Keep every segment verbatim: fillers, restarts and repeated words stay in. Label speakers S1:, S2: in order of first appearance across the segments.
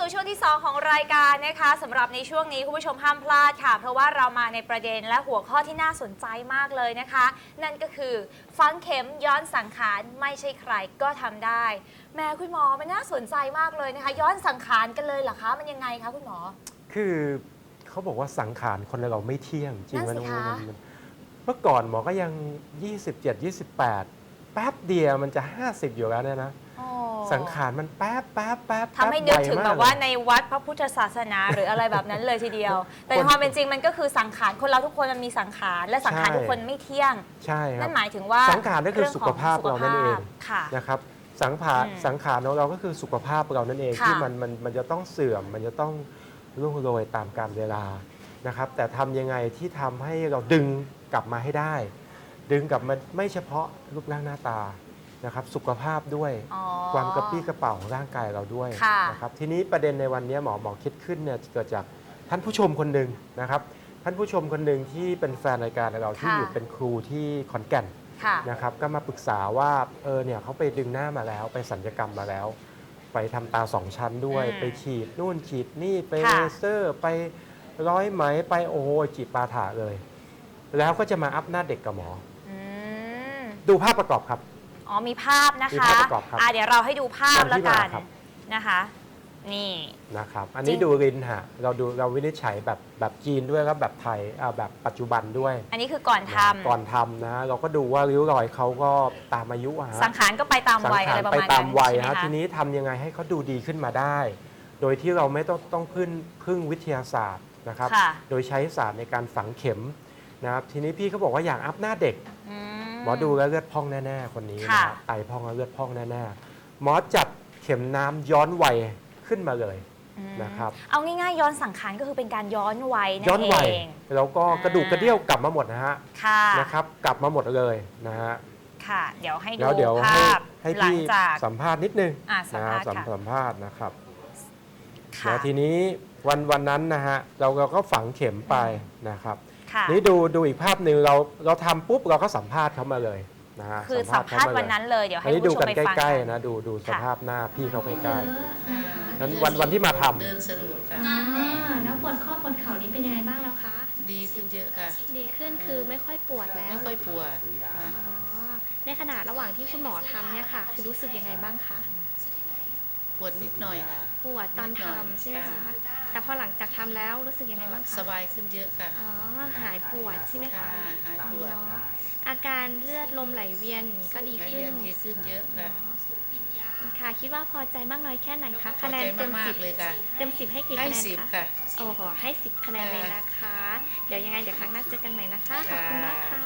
S1: สู่ช่วงที่สองของรายการนะคะสำหรับในช่วงนี้คุณผู้ชมห้ามพลาดค่ะเพราะว่าเรามาในประเด็นและหัวข้อที่น่าสนใจมากเลยนะคะนั่นก็คือฝังเข็มย้อนสังขารไม่ใช่ใครก็ทำได้แม่คุณหมอมันน่าสนใจมากเลยนะคะย้อนสังขารกันเลยเหรอคะมันยังไงคะคุณหมอ
S2: คือเขาบอกว่าสังขารคนเราไม่เที่ยงจริงไหม
S1: นั่นสิคะ
S2: เมื่อก่อนหมอก็ยังยี่สิบเจ็ด ยี่สิบแปดแป๊บเดียวมันจะห้าสิบอยู่แล้วเนี่ยนะสังขารมันแป๊บแป๊บแป๊บ
S1: ทำให้นึกถึงแบบว่าในวัดพระพุทธศาสนาหรืออะไรแบบนั้นเลยทีเดียว แต่ในความเป็นจริงมันก็คือสังขารคนเราทุกคนมันมีสังขารและสังขารทุกคนไม่เที่ยง
S2: ใช่ครับ
S1: นั่นหมายถึงว่า
S2: สังขารนั่นคือสุขภาพเรานั่นเองนะครับสังขารสังขารของเราก็คือสุขภาพเรานั่นเองที่มันมันมันจะต้องเสื่อมมันจะต้องร่วงโรยตามกาลเวลานะครับแต่ทำยังไงที่ทำให้เราดึงกลับมาให้ได้ดึงกลับมาไม่เฉพาะรูปร่างหน้าตานะครับสุขภาพด้วยความกระปี้กระเป๋าของร่างกายเราด้วยนะครับทีนี้ประเด็นในวันนี้หมอหมอคิดขึ้นเนี่ยเกิดจากท่านผู้ชมคนหนึ่งนะครับท่านผู้ชมคนหนึ่งที่เป็นแฟนรายการเราที่อยู่เป็นครูที่ขอนแก่นนะครับก็มาปรึกษาว่าเออเนี่ยเขาไปดึงหน้ามาแล้วไปศัลยกรรมมาแล้วไปทำตาสองชั้นด้วยไปฉีดนู่นฉีดนี่ไปเลเซอร์ไปร้อยไหมไปโอ้โหจีบปาถาเลยแล้วก็จะมาอัพหน้าเด็กกับหมอดูภาพประกอบครับ
S1: อ๋อมีภาพนะคะอ่าเดี๋ยวเราให้ดูภาพแล้วกันนะคะนี่
S2: นะครับอันนี้ดูรินฮะเราดูเราวินิจฉัยแบบแบบจีนด้วยครับแบบไทยอ่าแบบปัจจุบันด้วย
S1: อันนี้คือก่อนทำ
S2: ก่อนทำนะเราก็ดูว่าริ้วรอยเขาก็ตามอายุฮะ
S1: สังขารก็ไปตามวัยอะไรประมาณนั้น
S2: ไปตามวัยฮะทีนี้ทำยังไงให้เขาดูดีขึ้นมาได้โดยที่เราไม่ต้องต้องพึ่งพึ่งวิทยาศาสตร์นะครับโดยใช้ศาสตร์ในการฝังเข็มนะครับทีนี้พี่เขาบอกว่าอยากอัพหน้าเด็กหมอดูแล้วเลือดพองแน่ๆคนนี้นะไตพองแล้วเลือดพองแน่ๆหมอจับเข็มน้ำย้อนวัยขึ้นมาเลยนะครับ
S1: เอาง่ายๆย้อนสังขารก็คือเป็นการย้อนวัยนั่นเอง
S2: ย้อนวัยแล้วก็กระดูกกระเดี่ยวกลับมาหมดนะฮะนะครับกลับมาหมดเลยนะฮะ
S1: ค่ะเดี๋ยวให้ดูภาพ
S2: ให้พี่สัมภาษณ์นิดนึงนะสัมภาษณ์นะครับแล้วทีนี้วันวันนั้นนะฮะเราเราก็ฝังเข็มไปนะครับนี่ดูดูอีกภาพหนึ่งเราเราทำปุ๊บเราก็สัมภาษณ์เขามาเลยนะฮะ
S1: คือสัมภาษณ์วันนั้นเลยเดี๋ยวให้ผู้ชมไปฟัง
S2: ใกล้ๆนะดูดูสภาพหน้าพี่เขาใกล้ๆนั้นวันวันที่มาทำ
S3: เดินสะดวกค่ะ
S4: แล้วปวดข้อปวดเข่านี้เป็นยังไงบ้างแล้วคะ
S3: ดีขึ้นเยอะค่ะ
S4: ดีขึ้นคือไม่ค่อยปวดแล้ว
S3: ไม่ค่อยปวด
S4: ในขณะระหว่างที่คุณหมอทำเนี่ยค่ะคือรู้สึกยังไงบ้างคะ
S3: ปวดนิดหน่อยค่ะ
S4: ปวดตอนทำใช่ไหมคะแต่พอหลังจากทำแล้วรู้สึกยังไงบ้างคะ
S3: สบายขึ้นเยอะค่ะ
S4: อ๋อหายปวดใช่ไหมคะ
S3: หายปวด
S4: อาการเลือดลมไหลเวียนก็ดีขึ้น
S3: ดีขึ้นเยอะค่ะ
S4: ค่ะคิดว่าพอใจมากน้อยแค่ไหนคะคะแนนเต็มสิบ
S3: เลยค่ะ
S4: เต็มสิบให้กี่คะแนน
S3: คะ
S4: โอ้โหให้สิบคะแนนเลยนะคะเดี๋ยวยังไงเดี๋ยวครั้งหน้าเจอกันใหม่นะคะขอบคุณมากค่ะ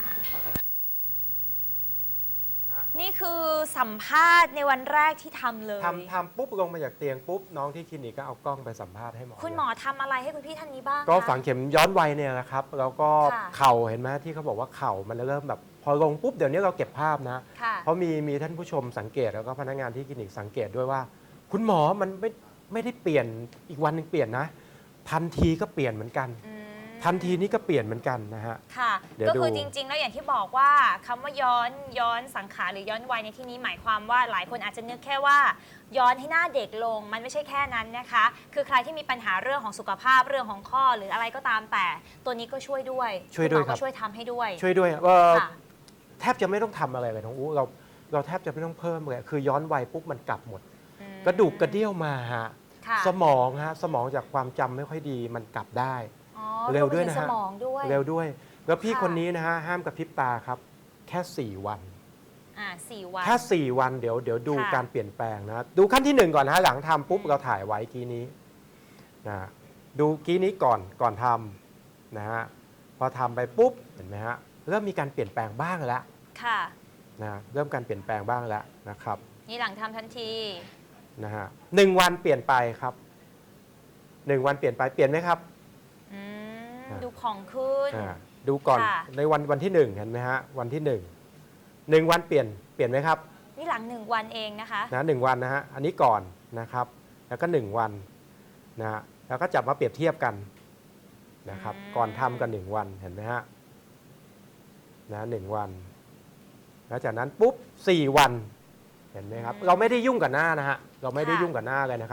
S1: นี่คือสัมภาษณ์ในวันแรกที่ทำเลย
S2: ทำทำปุ๊บลงมาจากเตียงปุ๊บน้องที่คลินิกก็เอากล้องไปสัมภาษณ์ให้หมอ
S1: คุณหมอทำอะไรให้คุณพี่ท่านนี้บ้าง
S2: ก็ฝังเข็มย้อนวัยเนี่ยนะครับแล้วก็เข่าเห็นไหมที่เขาบอกว่าเข่ามันเริ่มแบบพอลงปุ๊บเดี๋ยวนี้เราเก็บภาพนะเพราะมีมีท่านผู้ชมสังเกตแล้วก็พนักงานที่คลินิกสังเกตด้วยว่าคุณหมอมันไม่ไม่ได้เปลี่ยนอีกวันหนึ่งเปลี่ยนนะทันทีก็เปลี่ยนเหมือนกันทันทีนี้ก็เปลี่ยนเหมือนกันนะฮะ
S1: ค่ะก็คือจริงๆแล้วอย่างที่บอกว่าคำว่าย้อนย้อนสังขารหรือย้อนวัยในที่นี้หมายความว่าหลายคนอาจจะนึกแค่ว่าย้อนให้หน้าเด็กลงมันไม่ใช่แค่นั้นนะคะคือใครที่มีปัญหาเรื่องของสุขภาพเรื่องของข้อหรืออะไรก็ตามแต่ตัวนี้ก็ช่วยด้วย
S2: ช่วยด้วยครับ
S1: ช่วยทำให้ด้วย
S2: ช่วยด้วยแทบจะไม่ต้องทำอะไรเลยน้องอู้เราเราแทบจะไม่ต้องเพิ่มเลยคือย้อนวัยปุ๊บมันกลับหมดกระดูกกระเดี่ยวมาฮะสมองฮะสมองจากความจำไม่ค่อยดีมันกลับได้เร็วด้วยนะฮะเร็วด้วยแล้วพี่คนนี้นะฮะห้ามกระพริบตาครับแค่สี่วัน
S1: อ่าสี่วัน
S2: แค่สี่วันเดี๋ยวเดี๋ยวดูการเปลี่ยนแปลงนะดูขั้นที่หนึ่งก่อนนะฮะหลังทำปุ๊บเราถ่ายไว้กี้นี้นะดูกี้นี้ก่อนก่อนทำนะฮะพอทำไปปุ๊บเห็นไหมฮะเริ่มมีการเปลี่ยนแปลงบ้างแล้ว
S1: ค่ะ
S2: นะเริ่มการเปลี่ยนแปลงบ้างแล้วนะครับ
S1: นี่หลังทำทันที
S2: นะฮะหนึ่งวันเปลี่ยนไปครับหนึ่งวันเปลี่ยนไปเปลี่ยนไหมครับ
S1: ดูผ่องขึ้น
S2: ดูก่อนในวันวันที่หนึ่งเห็นไหมฮะวันที่หนึ่งหนึ่งวันเปลี่ยนเปลี่ยนไหมครับ
S1: นี่หลังหนึ่งวันเองนะคะ
S2: นะหนึ่งวันนะฮะอันนี้ก่อนนะครับแล้วก็หนึ่งวันนะฮะแล้วก็จับมาเปรียบเทียบกันนะครับก่อนทำกันหนึ่งวันเห็นไหมฮะนะหนึ่งวันแล้วจากนั้นปุ๊บสี่วันเห็นไหมครับเราไม่ได้ยุ่งกับหน้านะฮะเราไม่ได้ยุ่งกับหน้าเลยนะครับ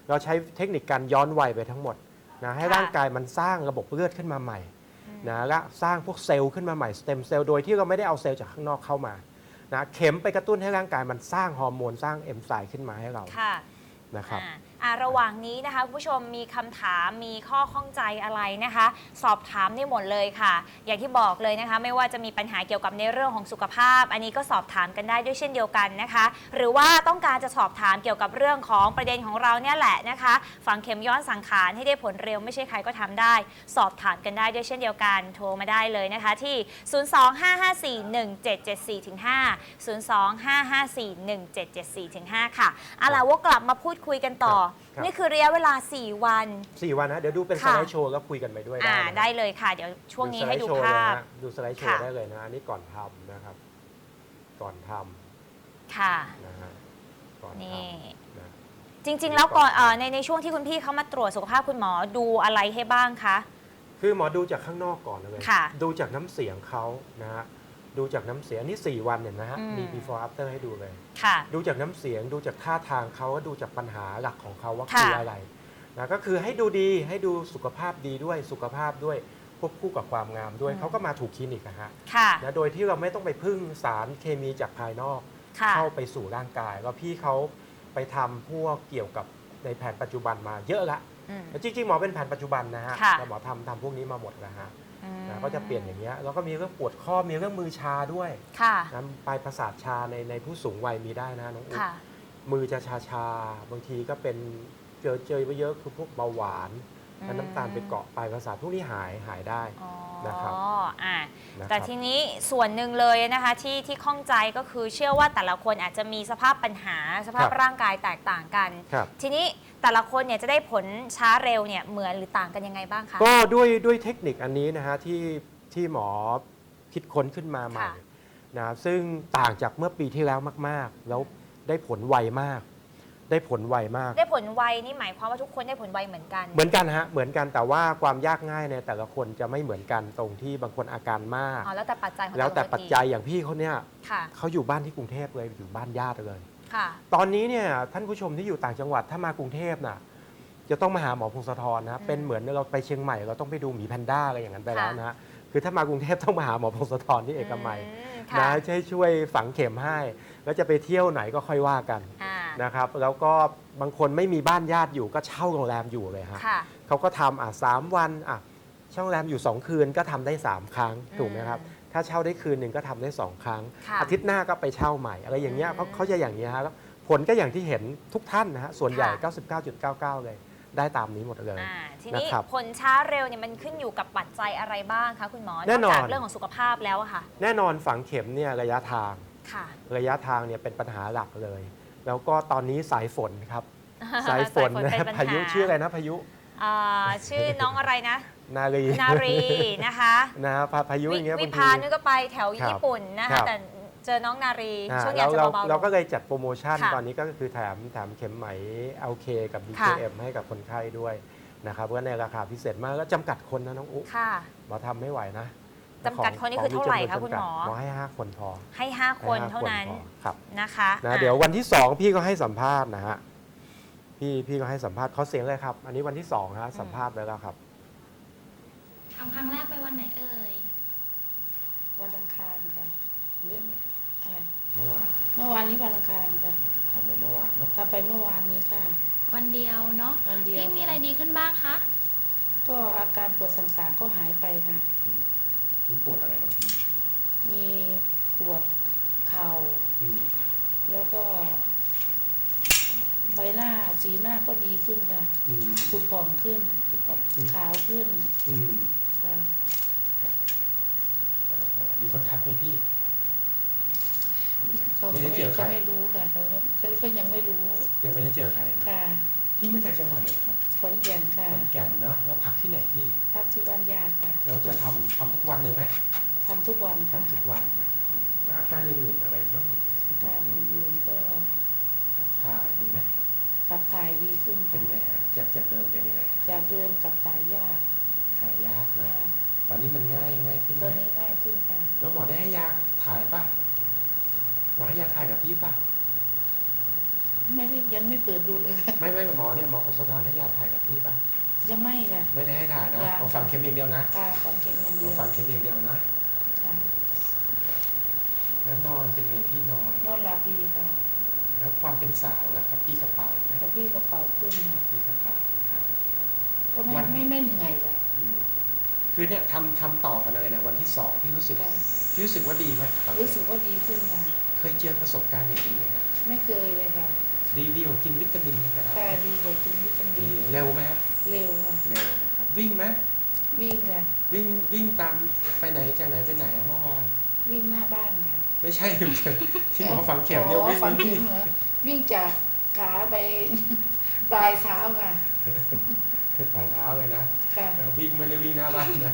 S2: เราใช้เทคนิคการย้อนวัยไปทั้งหมดนะให้
S1: ค่ะ
S2: ร่างกายมันสร้างระบบเลือดขึ้นมาใหม่นะและสร้างพวกเซลล์ขึ้นมาใหม่สเต็มเซลล์โดยที่เราไม่ได้เอาเซลล์จากข้างนอกเข้ามานะเข็มไปกระตุ้นให้ร่างกายมันสร้างฮอร์โมนสร้างเอนไซม์ขึ้นมาให้เรา
S1: ค่ะ
S2: นะครับ
S1: อ่าอ่าระหว่างนี้นะคะคุณผู้ชมมีคำถามมีข้อข้องใจอะไรนะคะ สอบถามได้หมดเลยค่ะ อย่างที่บอกเลยนะคะ ไม่ว่าจะมีปัญหาเกี่ยวกับในเรื่องของสุขภาพ อันนี้ก็สอบถามกันได้ด้วยเช่นเดียวกันนะคะ หรือว่าต้องการจะสอบถามเกี่ยวกับเรื่องของประเด็นของเราเนี่ยแหละนะคะฝังเข็มย้อนสังขารให้ได้ผลเร็วไม่ใช่ใครก็ทำได้ สอบถามกันได้ด้วยเช่นเดียวกันโทรมาได้เลยนะคะที่ ศูนย์ สอง ห้า ห้า สี่ หนึ่ง เจ็ด เจ็ด สี่ ห้า ศูนย์ สอง ห้า ห้า สี่ หนึ่ง เจ็ด เจ็ด สี่ ห้า ค่ะเอาล่ะว่ากลับมาพูดคุยกันต่อ
S2: ครับ
S1: นี่คือระยะเวลา สี่ วัน
S2: สี่วันนะเดี๋ยวดูเป็นส
S1: ค่ะ
S2: ไลด์โชว์แล้วคุยกันไปด้วย
S1: อ่า
S2: ได้นะ
S1: ได้เลยค่ะ เดี๋ยวช่วงนี้ให้ดู
S2: สไลโชว์
S1: ภาพ
S2: เลยนะดูสไลด์โชว์
S1: ค่ะ
S2: ได้เลยนะอันนี้ก่อนทำนะครับ ก่อนท
S1: ค่ะ
S2: ำนะฮะก่อนท
S1: นี่
S2: ำนะ
S1: จริง ๆ แล้วก่อนเอ่อในในช่วงที่คุณพี่เขามาตรวจสุขภาพคุณหมอดูอะไรให้บ้างคะ
S2: คือหมอดูจากข้างนอกก่อนเลย
S1: ค่ะ
S2: ดูจากน้ำเสียงเขานะฮะดูจากน้ำเสียงนี่สี่วันเนี่ยนะฮะ
S1: อืม
S2: มี before after ให้ดูเลย
S1: ค่ะ
S2: ดูจากน้ำเสียงดูจากท่าทางเขาก็ดูจากปัญหาหลักของเขาว่า
S1: ค่ะ
S2: คืออะไรนะก็คือให้ดูดีให้ดูสุขภาพดีด้วยสุขภาพด้วยควบคู่กับความงามด้วยเขาก็มาถูกคลินิกนะฮะ
S1: ค่ะ
S2: นะโดยที่เราไม่ต้องไปพึ่งสารเคมีจากภายนอก
S1: ค่ะ
S2: เข้าไปสู่ร่างกายแล้วพี่เขาไปทำพวกเกี่ยวกับในแผนปัจจุบันมาเยอะละ
S1: อืม
S2: จริงๆหมอเป็นแผนปัจจุบันนะฮะ
S1: ค่ะ
S2: แต่หมอทำทำพวกนี้มาหมดแล้วฮะ
S1: อืม
S2: นะก็จะเปลี่ยนอย่างเงี้ยแล้วก็มีเรื่องปวดข้อมีเรื่องมือชาด้วย
S1: ค่ะ
S2: นะปลายประสาทชาในในผู้สูงวัยมีได้นะน้องอุ๊บ
S1: ค่ะ
S2: มือจะชาชาบางทีก็เป็นเจอเจอไปเยอะคือพวกเบาหวาน
S1: อืม
S2: แล้วน้ำตาลไปเกาะปลายประสาทพวกนี้หายหายได้
S1: อ๋อ
S2: นะครับ
S1: อ่า
S2: นะค
S1: แต่
S2: รับ
S1: ทีนี้ส่วนหนึ่งเลยนะคะที่ที่ข้องใจก็คือเชื่อว่าแต่ละคนอาจจะมีสภาพปัญหาสภาพร่างกายแตกต่างกัน
S2: ครับ
S1: ทีนี้แต่ละคนเนี่ยจะได้ผลช้าเร็วเนี่ยเหมือนหรือต่างกันยังไงบ้างคะ
S2: ก็ด้วยด้วยเทคนิคอันนี้นะฮะที่ที่หมอคิดค้นขึ้นมาใหม่
S1: ค่ะ
S2: นะซึ่งต่างจากเมื่อปีที่แล้วมาก ๆ แล้วได้ผลไวมาก ได้ผลไวมาก
S1: ได้ผลไวนี่หมายความว่าทุกคนได้ผลไวเหมือนกัน
S2: เหมือนกันฮะเหมือนกันแต่ว่าความยากง่ายในแต่ละคนจะไม่เหมือนกันตรงที่บางคนอาการมาก
S1: อ๋อแล้วแต่ปัจจัยของ
S2: แล้วแต่
S1: ละคน
S2: ปัจจัยอย่างพี่เขาเนี่ย
S1: ค่ะ
S2: เขาอยู่บ้านที่กรุงเทพเลยอยู่บ้านญาติเลย
S1: ค่ะ
S2: ตอนนี้เนี่ยท่านผู้ชมที่อยู่ต่างจังหวัดถ้ามากรุงเทพน่ะจะต้องมาหาหมอพงศธรนะ
S1: อืม
S2: เป็นเหมือนเราไปเชียงใหม่เราต้องไปดูหมีแพนด้าอะไรอย่างนั้นไปแล้ว
S1: ค่ะ
S2: นะฮะคือถ้ามากรุงเทพต้องมาหาหมอพงศธรที่เอกมัย
S1: อืม
S2: นะ
S1: ค่ะ
S2: ช่วยช่วยฝังเข็มให้ แล้วจะไปเที่ยวไหนก็ค่อยว่ากัน
S1: อ่า
S2: นะครับแล้วก็บางคนไม่มีบ้านญาติอยู่ก็เช่าโรงแรมอยู่เลยฮะ
S1: ค่ะ
S2: เขาก็ทำอ่ะสามวันอ่ะเช่าโรงแรมอยู่ สอง คืนก็ทำได้ สาม ครั้งถูกไหมครับ
S1: อืม
S2: ถ้าเช่าได้คืนหนึ่งก็ทำได้ สอง ครั้ง
S1: ค่ะ
S2: อาทิตย์หน้าก็ไปเช่าใหม่อะไรอย่างเงี้ย
S1: อืม
S2: เขาเขาจะอย่างนี้ยฮะแล้วผลก็อย่างที่เห็นทุกท่านนะฮะส่วนใหญ่
S1: ค่ะ
S2: เก้าสิบเก้าจุดเก้าเก้า เลย ได้ตามนี้หมดเลย
S1: อ่าทีนี้
S2: นะครับ
S1: ผลช้าเร็วเนี่ยมันขึ้นอยู่กับปัจจัยอะไรบ้างคะคุณหมอ
S2: แน่นอน
S1: จากเรื่องของสุขภาพแล้วอะค่ะ
S2: แน่นอนฝังเข็มเนี่ยระยะทาง
S1: ค่ะ
S2: ระยะทางเนี่ยเป็นปัญหาหลักเลย แล้วก็ตอนนี้สายฝนครับ สายฝน
S1: เป็
S2: นะ
S1: ปัญห
S2: พายุชื่ออะไรนะพายุ
S1: อ่าชื่อน้องอะไรนะ
S2: นารี
S1: นารีนะคะ
S2: นะพาพายุอย่างเงี้ย
S1: วิ
S2: บาง
S1: พา
S2: ที
S1: นุก็ไปแถว
S2: ครับ
S1: ญี่ปุ่นนะ
S2: ครั
S1: คะ
S2: บ
S1: แต่เจอน้องนารี
S2: อ่า
S1: ช่วงนี้
S2: เรา
S1: อาจจะ
S2: เรา
S1: เบาๆ
S2: เรา
S1: ล
S2: ก็
S1: ง
S2: เลยจัดโปรโมชั่น
S1: ค่ะ
S2: ตอนนี้ก็คือแถมแถมเข็มไหม แอล เค กับ บี
S1: ค่ะ
S2: เค เอ็ม ให้กับคนไข้ด้วยนะครับก็ในราคาพิเศษมากแล้วจำกัดคนนะน้องอุ๊
S1: ค่ะ
S2: หมอทำไม่ไหวนะ
S1: จำกัดคนนี่คือเท่าไหร่คะ
S2: ขง
S1: คุณหมอ
S2: จำกัดหมอให้ห้าคนพอ
S1: ให้ห้าคน
S2: ให้ห้
S1: เท่านั้น
S2: พอครับ
S1: นะคะ
S2: นะ
S1: อ่ะ
S2: เดี๋ยววันที่สองพี่ก็ให้สัมภาษณ์นะฮะพี่พี่ก็ให้สัมภาษณ์เขาเสียงเลยครับ อันนี้วันที่สองฮะสัมภาษณ์ไปแล้วครับ
S4: ทำครั้งแรกไปวันไหนเอ่ย
S3: วันอังคารค่ะหรืออะไร
S2: เมื่อวาน
S3: เมื่อวานนี้วันอังคารค่ะ
S2: ทำไปเมื่อวานเนาะ
S3: ทำไปเมื่อวานนี้ค่ะ
S4: วันเดียวเนาะ
S3: วันเดียว
S4: พี่มี
S3: ค่ะ
S4: อะไรดีขึ้นบ้างคะ
S3: ก็อาการปวดต่างๆก็หายไปค่ะ
S2: มีปวดอะไรบ้าง
S3: มีปวดเข่า
S2: อืม
S3: แล้วก็ ใบหน้าสีหน้าก็ดีขึ้นค่ะ
S2: อืม
S3: ผุดผ่องขึ้น
S2: ครับ
S3: ขาวขึ้น
S2: อืม
S3: ค่ะ
S2: มีคนทักไหมพี่
S3: เขา
S2: ไม่
S3: ก็
S2: ได้
S3: ไม่
S2: เจอใคร
S3: เขาไม่รู้ค่ะเขาเขาก็ยังไม่รู้
S2: ยังไม่ได้เจอใครนะ
S3: ค่ะ
S2: พี่มาจากจังหวัดไหนครับ
S3: ขอนแก่นค่ะ
S2: ขอนแก่นเนาะแล้วพักที่ไหนพี่
S3: พักที่บ้านญาติค่ะ
S2: แล้วจะทำทำทุกวันเลยไหม
S3: ทำทุกวันค่ะ
S2: ทำทุกวันไหมอืมแล้วอาการอื่นๆอะไรบ้าง
S3: การอื่นๆก็
S2: ขับถ่ายมีไหม
S3: ขับถ่ายดีขึ้น
S2: เป็น
S3: ค่ะ
S2: ไงฮะจากจากเดิมเป็นยังไง
S3: จากเดิมกับถ่ายยาก
S2: ถ่ายยากนะ
S3: ค่ะ
S2: ตอนนี้มันง่ายง่ายขึ้น
S3: ตอน
S2: ไหม
S3: นี้ง่ายขึ้นค่ะ
S2: แล้วหมอได้ให้ยาถ่ายป่ะหมอให้ยาถ่ายกับพี่ป่ะ
S3: ไม่ได้ยังไม่เปิดดูเลยค่ะ
S2: ไม่ไม่หมอเนี่ยหมอพงศธรให้ยาถ่ายกับพี่ป่ะ
S3: ยังไม่ค่ะ
S2: ไม่ได้ให้ถ่ายนะ
S3: ยัง
S2: หมอฝังเข็มอย่างเดียวนะ
S3: ค่ะฟังเข็มอย่าง
S2: หม
S3: เดี
S2: อ
S3: ยว
S2: ฝังเข็มอย่างเดียวนะ
S3: ค่ะ
S2: แล้วนอนเป็นไงพี่นอน
S3: นอนหลับดีค่ะ
S2: แล้วความเป็นสาวล่ะครับพี่กระเป๋าไหม
S3: กระพี่กระเป๋าขึ้นค่ะ
S2: พี่กระเป๋านะครับ
S3: ก็ไม่
S2: วัน
S3: ไม่ไม่เหนื่อยค่ะ
S2: อืมคือเนี่ยทำทำต่อกันเลยเนี่ยวันที่สองพี่รู้สึก
S3: ค่ะ
S2: พี่รู้สึกว่าดีไหมฝัง
S3: รู้
S2: เข็
S3: สึ
S2: ม
S3: กว่าดีขึ้นค่ะ
S2: เคยเจอประสบการณ์อย่างนี้ไหมครับ
S3: ไม่เคยเลยค่ะ
S2: ดีดีกว่ากินวิตามินธรรมดา
S3: ค่ะดีกว่ากินวิตามิ
S2: ดี
S3: น
S2: เร็วไหมฮะ
S3: เร็วค่ะ
S2: เร็วนะครับวิ่งไหม
S3: วิ่งค่ะ
S2: วิ่งวิ่งตามไปไหนจากไหนไปไหนอะเมื่อวาน
S3: วิ่งหน้าบ้านค่ะ
S2: ไม่ใช่ ที่หมอฝังเข็มเนี่ย
S3: อ๋อ
S2: วิ่ง
S3: ฝัง
S2: วิ่
S3: เข็
S2: ง
S3: มเหรอวิ่งจากขาไป ปลายเท้าค่ะ
S2: ปลายเท้าเลยนะ
S3: ค่ะ
S2: แล้ววิ่งไม่ได้วิ่งหน้าบ้านนะ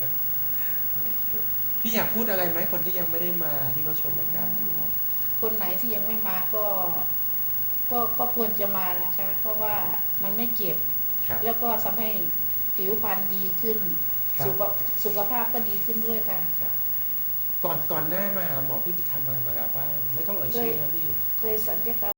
S2: พี่อยากพูดอะไรไหมคนที่ยังไม่ได้มาที่เขาชมรายการอยู่
S3: คนไหนที่ยังไม่มาก็ ก็ก็ควรจะมานะคะ เพราะว่ามันไม่เจ็บ
S2: ครับ
S3: แล้วก็ทำให้ผิวพรรณดีขึ้น
S2: ครับ
S3: สุขสุขภาพก็ดีขึ้นด้วยค่ะ
S2: ครับก่อนก่อนหน้ามาหาหมอพี่ไปทำอะไรมาแล้วบ้างไม่ต้องเอ่ยชื่อนะพี่
S3: เคยสัญญกรรม